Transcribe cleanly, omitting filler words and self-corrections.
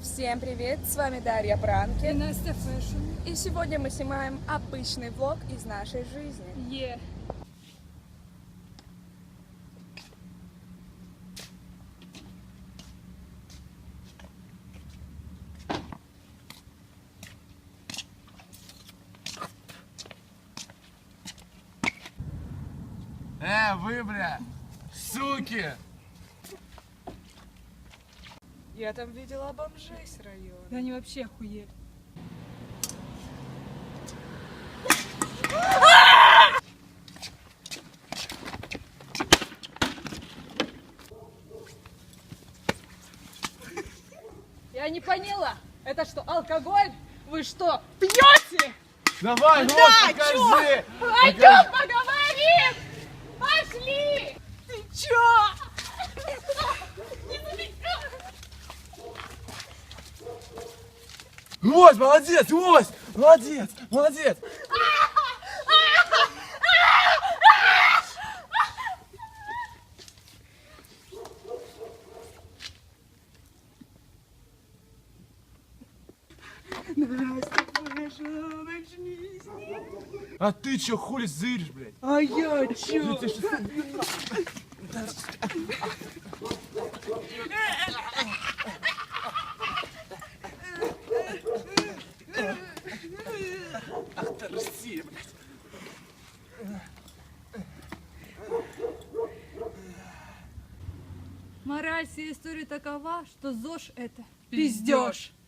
Всем привет, с вами Дарья И Пранки. Настя Фэшн. И сегодня мы снимаем обычный влог из нашей жизни. Е. Вы, бля, суки! Я там видела бомжей с района. Да они вообще охуели. Я не поняла. Это что, алкоголь? Вы что, пьете? Давай, Да, нос покажи! Пойдем поговорим! Пошли! Ты чё? Лось, молодец, лось! Молодец, молодец! А ты чё хули зыришь, блядь? А я чё? Ах ты Россия, блядь! Мораль всей истории такова, что ЗОЖ это пиздёж.